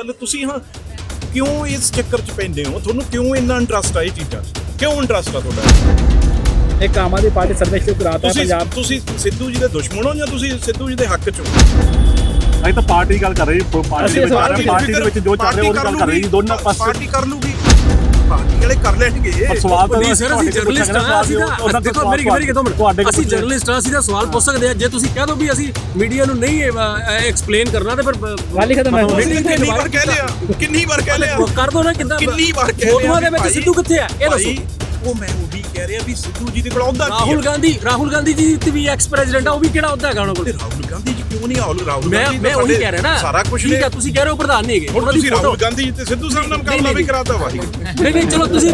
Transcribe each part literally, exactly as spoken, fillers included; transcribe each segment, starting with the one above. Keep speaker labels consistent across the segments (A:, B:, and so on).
A: ਗੱਲ ਤੁਸੀਂ ਹਾਂ ਕਿਉਂ ਇਸ ਚੱਕਰ 'ਚ ਪੈਂਦੇ ਹੋ? ਤੁਹਾਨੂੰ ਕਿਉਂ ਇੰਨਾ ਇੰਟਰਸਟ ਆ ਇਹ ਚੀਜ਼ਾਂ 'ਚ? ਕਿਉਂ ਇੰਟਰਸਟ ਆ ਤੁਹਾਡਾ?
B: ਇੱਕ ਆਮ ਆਦਮੀ ਪਾਰਟੀ ਸਰਵੇ ਸ਼ੁਰੂ ਕਰਾਤਾ ਪੰਜਾਬ।
A: ਤੁਸੀਂ ਸਿੱਧੂ ਜੀ ਦੇ ਦੁਸ਼ਮਣ ਹੋ ਜਾਂ ਤੁਸੀਂ ਸਿੱਧੂ ਜੀ ਦੇ ਹੱਕ 'ਚ ਹੋ?
C: ਅਸੀਂ ਤਾਂ ਪਾਰਟੀ ਗੱਲ ਕਰ ਰਹੇ ਜੀ, ਪਾਰਟੀ ਦੇ ਵਿੱਚ ਪਾਰਟੀ ਦੇ ਵਿੱਚ ਜੋ ਚੱਲ ਰਿਹਾ ਉਹ ਗੱਲ ਕਰ ਰਹੇ ਜੀ, ਦੋਨਾਂ ਪਾਸੇ
A: ਪਾਰਟੀ ਕਰ ਲੂਗੀ, ਪਾਰਟੀ ਵਾਲੇ ਕਰ ਲੈਣਗੇ।
C: ਪਰ ਸਵਾਲ ਤਾਂ
D: ਨਹੀਂ ਸਰ, ਅਸੀਂ ਜਰਨਲਿਸਟ ਹਾਂ, ਅਸੀਂ ਤਾਂ ਦੇਖੋ ਮੇਰੀ ਮੇਰੀ ਕਿਦੋਂ ਅਸੀਂ ਜਰਨਲਿਸਟ ਹਾਂ, ਅਸੀਂ ਤਾਂ ਸਵਾਲ ਪੁੱਛ ਸਕਦੇ ਹਾਂ। ਜੇ ਤੁਸੀਂ ਕਹਿ ਦੋ ਵੀ ਅਸੀਂ ਮੀਡੀਆ ਨੂੰ ਨਹੀਂ ਐਕਸਪਲੇਨ ਕਰਨਾ ਤੇ ਫਿਰ
B: ਗੱਲ ਹੀ ਖਤਮ ਹੈ।
A: ਕਿੰਨੀ ਵਾਰ ਕਹਿ ਲਿਆ, ਕਿੰਨੀ ਵਾਰ ਕਹਿ ਲਿਆ,
D: ਕਰ ਦੋ ਨਾ। ਕਿੱਦਾਂ
A: ਕਿੰਨੀ ਵਾਰ ਕਹਿ ਲਿਆ
D: ਫੋਟੋਆਂ ਦੇ ਵਿੱਚ ਸਿੱਧੂ ਕਿੱਥੇ ਆ ਇਹ ਦੱਸੋ।
A: ਉਹ ਮੈਂ ਉਹ ਵੀ ਕਹਿ ਰਿਹਾ ਵੀ ਸਿੱਧੂ ਜੀ ਦੇ ਕੋਲ ਆਉਂਦਾ
D: ਰਾਹੁਲ ਗਾਂਧੀ ਰਾਹੁਲ ਗਾਂਧੀ ਜੀ ਤੇ ਵੀ ਐਕਸ ਪ੍ਰੈਜ਼ੀਡੈਂਟ ਆ, ਉਹ ਵੀ ਕਿਹੜਾ ਆਉਂਦਾ ਹੈਗਾ ਉਹਨਾਂ ਕੋਲ?
A: ਰਾਹੁਲ ਗਾਂਧੀ ਜੀ ਕਿਉਂ ਨਹੀਂ? ਰਾਹੁਲ ਰਾਹੁਲ
D: ਮੈਂ ਮੈਂ ਉਹੀ ਕਹਿ ਰਿਹਾ ਨਾ,
A: ਸਾਰਾ ਕੁਝ
D: ਠੀਕ ਆ। ਤੁਸੀਂ ਕਹਿ ਰਹੇ ਹੋ ਪ੍ਰਧਾਨ ਨਹੀਂ ਹੈਗੇ,
A: ਹੁਣ ਤੁਸੀਂ ਰਾਹੁਲ ਗਾਂਧੀ ਤੇ ਸਿੱਧੂ ਸਾਹਿਬ ਨਾਲ ਮੁਕਾਬਲਾ ਵੀ ਕਰਾਤਾ ਵਾਹਿਗੁਰੂ।
D: ਨਹੀਂ ਨਹੀਂ ਚਲੋ ਤੁਸੀਂ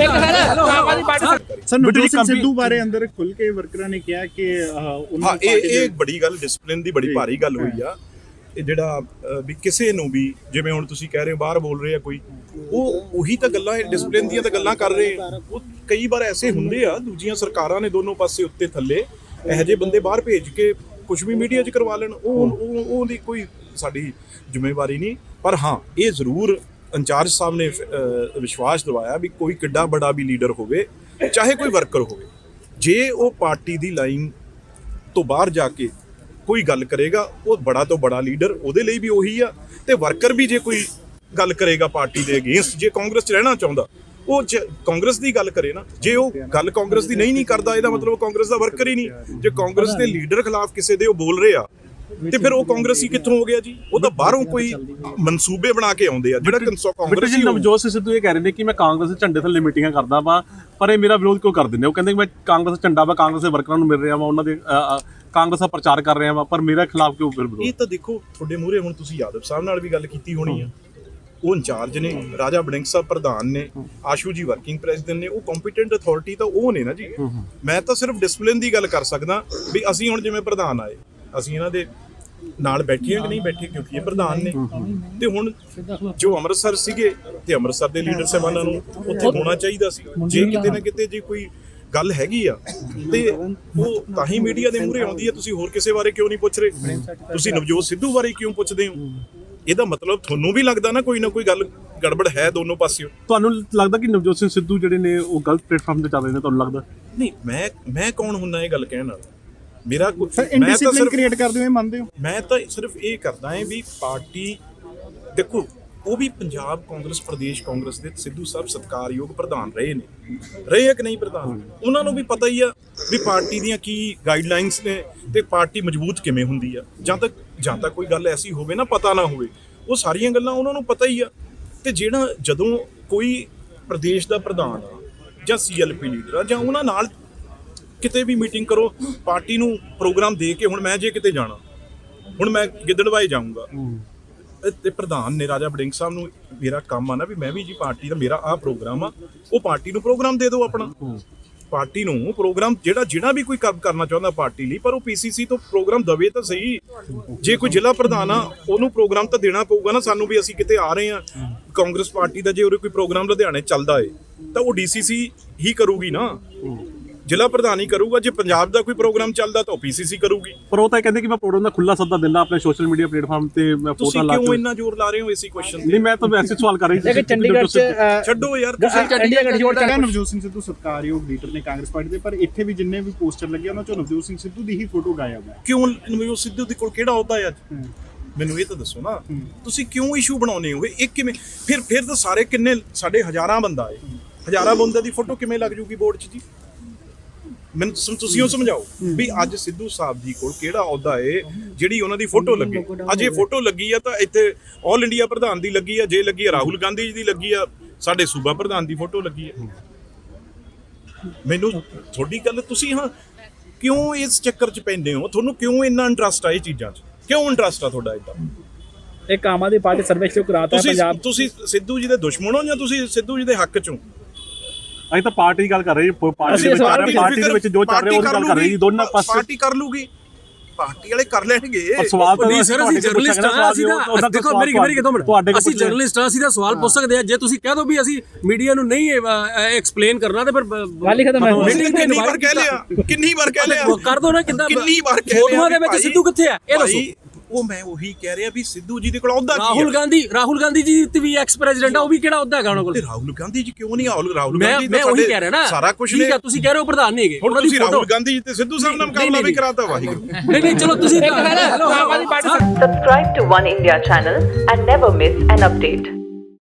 E: ਸਰ ਨਵਜੋਤ ਸਿੰਘ ਸਿੱਧੂ ਬਾਰੇ ਅੰਦਰ ਖੁੱਲ ਕੇ ਵਰਕਰਾਂ ਨੇ ਕਿਹਾ ਕਿ
A: ਹਾਂ ਇਹ ਇਹ ਬੜੀ ਗੱਲ ਡਿਸਪਲਿਨ ਦੀ ਬੜੀ ਭਾਰੀ ਗੱਲ ਹੋਈ ਆ। ਇਹ ਜਿਹੜਾ ਵੀ ਕਿਸੇ ਨੂੰ ਵੀ ਜਿਵੇਂ ਹੁਣ ਤੁਸੀਂ ਕਹਿ ਰਹੇ ਹੋ ਬਾਹਰ ਬੋਲ ਰਹੇ ਆ ਕੋਈ, ਉਹ ਉਹੀ ਤਾਂ ਗੱਲਾਂ ਡਿਸਪਲਿਨ ਦੀਆਂ ਤਾਂ ਗੱਲਾਂ ਕਰ ਰਹੇ ਆ। ਉਹ ਕਈ ਵਾਰ ਐਸੇ ਹੁੰਦੇ ਆ, ਦੂਜੀਆਂ ਸਰਕਾਰਾਂ ਨੇ ਦੋਨੋਂ ਪਾਸੇ ਉੱਤੇ ਥੱਲੇ ਇਹੋ ਜਿਹੇ ਬੰਦੇ ਬਾਹਰ ਭੇਜ ਕੇ ਕੁਝ ਵੀ ਮੀਡੀਆ 'ਚ ਕਰਵਾ ਲੈਣ, ਉਹ ਉਹਦੀ ਕੋਈ ਸਾਡੀ ਜ਼ਿੰਮੇਵਾਰੀ ਨਹੀਂ। ਪਰ ਹਾਂ ਇਹ ਜ਼ਰੂਰ ਇੰਚਾਰਜ ਸਾਹਿਬ ਨੇ ਵਿਸ਼ਵਾਸ ਦਿਵਾਇਆ ਵੀ ਕੋਈ ਕਿੱਡਾ ਬੜਾ ਵੀ ਲੀਡਰ ਹੋਵੇ, ਚਾਹੇ ਕੋਈ ਵਰਕਰ ਹੋਵੇ, ਜੇ ਉਹ ਪਾਰਟੀ ਦੀ ਲਾਈਨ ਤੋਂ ਬਾਹਰ ਜਾ ਕੇ ਕੋਈ ਗੱਲ ਕਰੇਗਾ, ਉਹ ਬੜਾ ਤੋਂ ਬੜਾ ਲੀਡਰ ਉਹਦੇ ਲਈ ਵੀ ਉਹੀ ਆ। ਤੇ ਵਰਕਰ ਵੀ ਜੇ ਕੋਈ ਗੱਲ ਕਰੇਗਾ ਪਾਰਟੀ ਦੇ ਅਗੇਂਸਟ, ਜੇ ਕਾਂਗਰਸ 'ਚ ਰਹਿਣਾ ਚਾਹੁੰਦਾ, ਉਹ ਕਾਂਗਰਸ ਦੀ ਗੱਲ ਕਰੇ ਨਾ। ਜੇ ਉਹ ਗੱਲ ਕਾਂਗਰਸ ਦੀ ਨਹੀਂ ਨਹੀਂ ਕਰਦਾ, ਇਹਦਾ ਮਤਲਬ ਕਾਂਗਰਸ ਦਾ ਵਰਕਰ ਹੀ ਨਹੀਂ। ਜੇ ਕਾਂਗਰਸ ਦੇ ਲੀਡਰ ਖਿਲਾਫ ਕਿਸੇ ਦੇ ਉਹ ਬੋਲ ਰਹੇ ਆ ਤੇ ਫਿਰ ਉਹ ਕਾਂਗਰਸੀ ਕਿੱਥੋਂ ਹੋ ਗਿਆ ਜੀ? ਉਹ ਤਾਂ ਬਾਹਰੋਂ ਕੋਈ ਮਨਸੂਬੇ ਬਣਾ ਕੇ ਆਉਂਦੇ ਆ। ਜਿਹੜਾ ਕਾਂਗਰਸੀ
C: ਨਵਜੋਤ ਸਿੰਘ ਸਿੱਧੂ ਇਹ ਕਹਿ ਰਹੇ ਨੇ ਕਿ ਮੈਂ ਕਾਂਗਰਸ ਦੇ ਝੰਡੇ ਥੱਲੇ ਮੀਟਿੰਗਾਂ ਕਰਦਾ ਵਾ, ਪਰ ਇਹ ਮੇਰਾ ਵਿਰੋਧ ਕਿਉਂ ਕਰ ਦਿੰਦੇ? ਉਹ ਕਹਿੰਦੇ ਮੈਂ ਕਾਂਗਰਸ ਦਾ ਝੰਡਾ ਵਾ, ਕਾਂਗਰਸ ਦੇ ਵਰਕਰਾਂ ਨੂੰ ਮਿਲ ਰਿਹਾ ਵਾ, ਉਹਨਾਂ ਦੇ ਕਾਂਗਰਸ ਦਾ ਪ੍ਰਚਾਰ ਕਰ ਰਿਹਾ ਵਾ, ਪਰ ਮੇਰੇ ਖਿਲਾਫ ਕਿਉਂ ਫਿਰ ਵਿਰੋਧ?
A: ਇਹ ਤਾਂ ਦੇਖੋ ਤੁਹਾਡੇ ਮੂਹਰੇ ਹੁਣ ਤੁਸੀਂ ਯਾਦਵ ਸਾਹਿਬ ਨਾਲ ਵੀ ਗੱਲ ਕੀਤੀ ਹੋਣੀ ਆ, ਉਹ ਇੰਚਾਰਜ ਨੇ, ਰਾਜਾ ਵੜਿੰਗ ਸਾਹਿਬ ਪ੍ਰਧਾਨ ਨੇ, ਆਸ਼ੂ ਜੀ ਵਰਕਿੰਗ ਪ੍ਰੈਜ਼ੀਡੈਂਟ ਨੇ, ਉਹ ਕੰਪੀਟੈਂਟ ਅਥਾਰਟੀ ਤਾਂ ਉਹ ਨੇ ਨਾ ਜੀ। ਮੈਂ ਤਾਂ ਸਿਰਫ ਡਿਸਪਲਿਨ ਦੀ ਗੱਲ ਕਰ ਸਕਦਾ ਵੀ ਅਸੀਂ ਹੁਣ ਜਿਵੇਂ ਪ੍ਰਧਾਨ ਆਏ, ਅਸੀਂ ਇਹਨਾਂ ਦੇ ਨਾਲ ਬੈਠੇ ਕਿ ਨਹੀਂ ਬੈਠੇ, ਕਿਉਂਕਿ ਇਹ ਪ੍ਰਧਾਨ ਨੇ। ਤੇ ਹੁਣ ਜੋ ਅੰਮ੍ਰਿਤਸਰ ਸੀਗੇ ਤੇ ਅੰਮ੍ਰਿਤਸਰ ਦੇ ਲੀਡਰ ਸਾਹਿਬਾਨਾਂ ਨੂੰ ਉੱਥੇ ਹੋਣਾ ਚਾਹੀਦਾ ਸੀ। ਜੇ ਕਿਤੇ ਨਾ ਕਿਤੇ ਜੇ ਕੋਈ ਗੱਲ ਹੈਗੀ ਆ ਤੇ ਉਹ ਤਾਂ ਹੀ ਮੀਡੀਆ ਦੇ ਮੂਹਰੇ ਆਉਂਦੀ ਆ। ਤੁਸੀਂ ਹੋਰ ਕਿਸੇ ਬਾਰੇ ਕਿਉਂ ਨਹੀਂ ਪੁੱਛ ਰਹੇ? ਤੁਸੀਂ ਨਵਜੋਤ ਸਿੱਧੂ ਬਾਰੇ ਕਿਉਂ ਪੁੱਛਦੇ ਹੋ? ਇਹਦਾ ਮਤਲਬ ਤੁਹਾਨੂੰ ਵੀ ਲੱਗਦਾ ਨਾ ਕੋਈ ਨਾ ਕੋਈ ਗੱਲ ਗੜਬੜ ਹੈ ਦੋਨੋਂ ਪਾਸਿਓਂ।
C: ਤੁਹਾਨੂੰ ਲੱਗਦਾ ਕਿ ਨਵਜੋਤ ਸਿੰਘ ਸਿੱਧੂ ਜਿਹੜੇ ਨੇ ਉਹ ਗਲਤ ਪਲੇਟਫਾਰਮ ਤੇ ਚੱਲ ਰਹੇ ਨੇ? ਤੁਹਾਨੂੰ ਲੱਗਦਾ?
A: ਨਹੀਂ, ਮੈਂ ਮੈਂ ਕੌਣ ਹੁੰਦਾ ਇਹ ਗੱਲ ਕਹਿਣ ਵਾਲਾ? ਮੇਰਾ
E: ਸਰ ਇਨਡਿਸਿਪਲਿਨ ਕ੍ਰੀਏਟ ਕਰਦੇ ਹੋ, ਇਹ ਮੰਨਦੇ ਹੋ?
A: ਮੈਂ ਤਾਂ ਸਿਰਫ ਇਹ ਕਰਦਾ ਹਾਂ ਵੀ ਪਾਰਟੀ ਦੇਖੋ, ਉਹ ਵੀ ਪੰਜਾਬ ਕਾਂਗਰਸ ਪ੍ਰਦੇਸ਼ ਕਾਂਗਰਸ ਦੇ ਸਿੱਧੂ ਸਾਹਿਬ ਸਤਿਕਾਰਯੋਗ ਪ੍ਰਧਾਨ ਰਹੇ ਨੇ, ਰਹੇ ਆ ਕਿ ਨਹੀਂ ਪ੍ਰਧਾਨ? ਉਹਨਾਂ ਨੂੰ ਵੀ ਪਤਾ ਹੀ ਆ ਵੀ ਪਾਰਟੀ ਦੀਆਂ ਕੀ ਗਾਈਡਲਾਈਨਸ ਨੇ ਤੇ ਪਾਰਟੀ ਮਜ਼ਬੂਤ ਕਿਵੇਂ ਹੁੰਦੀ ਆ। ਜਾਂ ਤੱਕ ਜਾਂ ਤੱਕ ਕੋਈ ਗੱਲ ਐਸੀ ਹੋਵੇ ਨਾ ਪਤਾ ਨਾ ਹੋਵੇ, ਉਹ ਸਾਰੀਆਂ ਗੱਲਾਂ ਉਹਨਾਂ ਨੂੰ ਪਤਾ ਹੀ ਆ। ਤੇ ਜਿਹੜਾ ਜਦੋਂ ਕੋਈ ਪ੍ਰਦੇਸ਼ ਦਾ ਪ੍ਰਧਾਨ ਆ ਜਾਂ ਸੀ ਐਲ ਪੀ ਲੀਡਰ ਆ ਜਾਂ ਉਹਨਾਂ ਨਾਲ ਕਿਤੇ ਵੀ ਮੀਟਿੰਗ ਕਰੋ, ਪਾਰਟੀ ਨੂੰ ਪ੍ਰੋਗਰਾਮ ਦੇ ਕੇ, ਹੁਣ ਮੈਂ ਜੇ ਕਿਤੇ ਜਾਣਾ, ਹੁਣ ਮੈਂ ਗਿੱਦੜਵਾਏ ਜਾਊਂਗਾ ਤੇ ਪ੍ਰਧਾਨ ਨੇ ਰਾਜਾ ਵੜਿੰਗ ਸਾਹਿਬ ਨੂੰ ਮੇਰਾ ਕੰਮ ਆ ਨਾ ਵੀ ਮੈਂ ਵੀ ਜੀ ਪਾਰਟੀ ਦਾ ਮੇਰਾ ਆਹ ਪ੍ਰੋਗਰਾਮ ਆ, ਉਹ ਪਾਰਟੀ ਨੂੰ ਪ੍ਰੋਗਰਾਮ ਦੇ ਦਿਓ ਆਪਣਾ। ਪਾਰਟੀ ਨੂੰ ਪ੍ਰੋਗਰਾਮ ਜਿਹੜਾ ਜਿਹੜਾ ਵੀ ਕੋਈ ਕੰਮ ਕਰਨਾ ਚਾਹੁੰਦਾ ਪਾਰਟੀ ਲਈ, ਪਰ ਉਹ ਪੀਸੀਸੀ ਤੋਂ ਪ੍ਰੋਗਰਾਮ ਦਵੇ ਤਾਂ ਸਹੀ। ਜੇ ਕੋਈ ਜ਼ਿਲ੍ਹਾ ਪ੍ਰਧਾਨ ਆ ਉਹਨੂੰ ਪ੍ਰੋਗਰਾਮ ਤਾਂ ਦੇਣਾ ਪਊਗਾ ਨਾ ਸਾਨੂੰ ਵੀ ਅਸੀਂ ਕਿਤੇ ਆ ਰਹੇ ਹਾਂ ਕਾਂਗਰਸ ਪਾਰਟੀ ਦਾ। ਜੇ ਉਹਦੇ ਕੋਈ ਪ੍ਰੋਗਰਾਮ ਲੁਧਿਆਣੇ ਚੱਲਦਾ ਏ ਤਾਂ ਉਹ ਡੀਸੀਸੀ ਹੀ ਕਰੂਗੀ ਨਾ, ਜ਼ਿਲ੍ਹਾ ਪ੍ਰਧਾਨ ਹੀ ਕਰੂਗਾ। ਜੇ ਪੰਜਾਬ ਦਾ ਕੋਈ ਪ੍ਰੋਗਰਾਮ ਚੱਲਦਾ ਤਾਂ ਉਹ ਪੀਸੀਸੀ ਕਰੂਗੀ।
C: ਪਰ ਉਹ ਤਾਂ ਕਹਿੰਦੇ ਕਿ ਮੈਂ ਪ੍ਰੋਗਰਾਮ ਦਾ ਖੁੱਲਾ ਸੱਦਾ ਦਿੰਦਾ ਆਪਣੇ ਸੋਸ਼ਲ ਮੀਡੀਆ ਪਲੇਟਫਾਰਮ ਤੇ, ਮੈਂ ਫੋਟੋ ਲਾ ਕੇ।
A: ਕਿਉਂ ਇੰਨਾ ਜ਼ੋਰ ਲਾ ਰਹੇ ਹੋ ਇਸੇ ਕੁਐਸਚਨ ਤੇ?
C: ਨਹੀਂ, ਮੈਂ ਤਾਂ ਵੈਸੇ ਸਵਾਲ ਕਰ ਰਹੀ ਸੀ।
B: ਚੰਡੀਗੜ੍ਹ ਚ
A: ਛੱਡੋ ਯਾਰ,
B: ਚੰਡੀਗੜ੍ਹ ਜੋੜ
E: ਕਹਿੰਦਾ ਨਵਜੋਤ ਸਿੰਘ ਸਿੱਧੂ ਸਤਿਕਾਰਯੋਗ ਲੀਡਰ ਨੇ ਕਾਂਗਰਸ ਪਾਰਟੀ ਦੇ, ਪਰ ਇੱਥੇ ਵੀ ਜਿੰਨੇ ਵੀ ਪੋਸਟਰ ਲੱਗੇ ਉਹਨਾਂ ਚੋਂ ਨਵਜੋਤ ਸਿੰਘ ਸਿੱਧੂ ਦੀ ਹੀ ਫੋਟੋ ਗਾਇਬ ਹੈ।
A: ਕਿਉਂ ਨਵਜੋਤ ਸਿੱਧੂ ਦੇ ਕੋਲ ਕਿਹੜਾ ਅਹੁਦਾ ਹੈ ਅੱਜ? ਮੈਨੂੰ ਇਹ ਤਾਂ ਦੱਸੋ ਨਾ, ਤੁਸੀਂ ਕਿਉਂ ਇਸ਼ੂ ਬਣਾਉਨੇ ਹੋ ਇਹ? ਕਿਵੇਂ ਫਿਰ ਫਿਰ ਤਾਂ ਸਾਰੇ ਕਿੰਨੇ ਸਾਡੇ ਹਜ਼ਾਰਾਂ ਬੰਦਾ ਹੈ, ਹਜ਼ਾਰਾਂ ਬੰਦੇ ਦੀ ਫੋਟੋ ਕਿਵੇਂ ਲੱਗ ਜੂਗੀ ਬੋਰਡ 'ਚ ਜੀ? ਮੈਨੂੰ ਤੁਸੀਂ ਉਹ ਸਮਝਾਓ ਵੀ ਅੱਜ ਸਿੱਧੂ ਸਾਹਿਬ ਜੀ ਕੋਲ ਕਿਹੜਾ ਅਹੁਦਾ ਏ ਜਿਹੜੀ ਉਹਨਾਂ ਦੀ ਫੋਟੋ ਲੱਗੇ? ਅੱਜ ਇਹ ਫੋਟੋ ਲੱਗੀ ਆ ਤਾਂ ਇੱਥੇ ਆਲ ਇੰਡੀਆ ਪ੍ਰਧਾਨ ਦੀ ਲੱਗੀ ਆ, ਜੇ ਲੱਗੀ ਆ ਰਾਹੁਲ ਗਾਂਧੀ ਜੀ ਦੀ ਲੱਗੀ ਆ, ਸਾਡੇ ਸੂਬਾ ਪ੍ਰਧਾਨ ਦੀ ਫੋਟੋ ਲੱਗੀ ਆ। ਮੈਨੂੰ ਤੁਹਾਡੀ ਗੱਲ, ਤੁਸੀਂ ਹਾਂ ਕਿਉਂ ਇਸ ਚੱਕਰ 'ਚ ਪੈਂਦੇ ਹੋ? ਤੁਹਾਨੂੰ ਕਿਉਂ ਇੰਨਾ ਇੰਟਰਸਟ ਆ ਇਹ ਚੀਜ਼ਾਂ 'ਚ? ਕਿਉਂ ਇੰਟਰਸਟ ਆ ਤੁਹਾਡਾ ਏਦਾਂ?
B: ਇੱਕ ਆਮ ਆਦਮੀ ਪਾਰਟੀ ਸਰਵੇ ਸ਼ੁਰੂ ਕਰਾਤਾ ਪੰਜਾਬ।
A: ਤੁਸੀਂ ਸਿੱਧੂ ਜੀ ਦੇ ਦੁਸ਼ਮਣ ਹੋ ਜਾਂ ਤੁਸੀਂ ਸਿੱਧੂ ਜੀ ਦੇ ਹੱਕ 'ਚ ਹੋ?
C: ਅਸੀਂ ਤਾਂ ਪਾਰਟੀ ਗੱਲ ਕਰ ਰਹੇ ਜੀ, ਪਾਰਟੀ ਦੇ ਵਿੱਚ ਪਾਰਟੀ ਦੇ ਵਿੱਚ ਜੋ ਚੱਲ ਰਿਹਾ ਉਹ ਗੱਲ ਕਰ ਰਹੇ ਜੀ, ਦੋਨਾਂ ਪਾਸੇ
A: ਪਾਰਟੀ ਕਰ ਲੂਗੀ, ਪਾਰਟੀ ਵਾਲੇ ਕਰ ਲੈਣਗੇ।
C: ਪਰ ਸਵਾਲ ਤਾਂ
D: ਨਹੀਂ ਸਰ, ਅਸੀਂ ਜਰਨਲਿਸਟ ਹਾਂ, ਅਸੀਂ ਤਾਂ ਦੇਖੋ ਮੇਰੀ ਮੇਰੀ ਕਿਦੋਂ ਅਸੀਂ ਜਰਨਲਿਸਟ ਹਾਂ, ਅਸੀਂ ਤਾਂ ਸਵਾਲ ਪੁੱਛ ਸਕਦੇ ਹਾਂ। ਜੇ ਤੁਸੀਂ ਕਹਿ ਦੋ ਵੀ ਅਸੀਂ ਮੀਡੀਆ ਨੂੰ ਨਹੀਂ ਐਕਸਪਲੇਨ ਕਰਨਾ ਤੇ ਫਿਰ
B: ਗੱਲ ਹੀ ਖਤਮ ਹੈ।
A: ਕਿੰਨੀ ਵਾਰ ਕਹਿ ਲਿਆ, ਕਿੰਨੀ ਵਾਰ ਕਹਿ ਲਿਆ,
D: ਕਰ ਦੋ ਨਾ। ਕਿੱਦਾਂ
A: ਕਿੰਨੀ ਵਾਰ ਕਹਿ ਲਿਆ?
D: ਫੋਟੋਆਂ ਦੇ ਵਿੱਚ ਸਿੱਧੂ ਕਿੱਥੇ ਆ ਇਹ ਦੱਸੋ।
A: ਉਹ ਮੈਂ ਉਹੀ ਕਹਿ ਰਿਹਾ ਵੀ ਸਿੱਧੂ ਜੀ ਦੇ ਕੋਲ ਅਹੁਦਾ ਕੀ
D: ਰਾਹੁਲ
A: ਹੈ
D: ਗਾਂਧੀ ਰਾਹੁਲ ਗਾਂਧੀ ਜੀ ਤੇ ਵੀ ਐਕਸ ਪ੍ਰੈਜ਼ੀਡੈਂਟ ਆ, ਉਹ ਵੀ ਕਿਹੜਾ ਅਹੁਦਾ ਹੈਗਾ ਉਹਨਾਂ ਕੋਲ?
A: ਤੇ ਰਾਹੁਲ ਗਾਂਧੀ ਜੀ ਕਿਉਂ ਨਹੀਂ ਰਾਹੁਲ ਰਾਹੁਲ
D: ਮੈਂ
A: ਗਾਂਧੀ
D: ਮੈਂ
A: ਤਾਂ
D: ਉਹੀ
A: ਸਾਡੇ
D: ਕਹਿ ਰਿਹਾ ਨਾ,
A: ਸਾਰਾ ਕੁਝ
D: ਠੀਕ
A: ਨੇ
D: ਆ, ਤੁਸੀਂ ਕਹਿ ਰਹੇ ਹੋ ਪ੍ਰਧਾਨ ਨਹੀਂ ਹੈਗੇ,
A: ਹੁਣ
D: ਉਹਨਾਂ ਦੀ
A: ਤੁਸੀਂ
D: ਫੋਟੋ
A: ਰਾਹੁਲ ਗਾਂਧੀ ਜੀ ਤੇ ਸਿੱਧੂ ਸਾਹਿਬ ਨਾਲ ਮੁਕਾਬਲਾ ਵੀ ਕਰਾਤਾ ਵਾਹਿਗੁਰੂ
D: ਨਹੀਂ ਨਹੀਂ ਚਲੋ ਤੁਸੀਂ
B: Aam Aadmi Party
F: Subscribe to One India channel and never miss an update.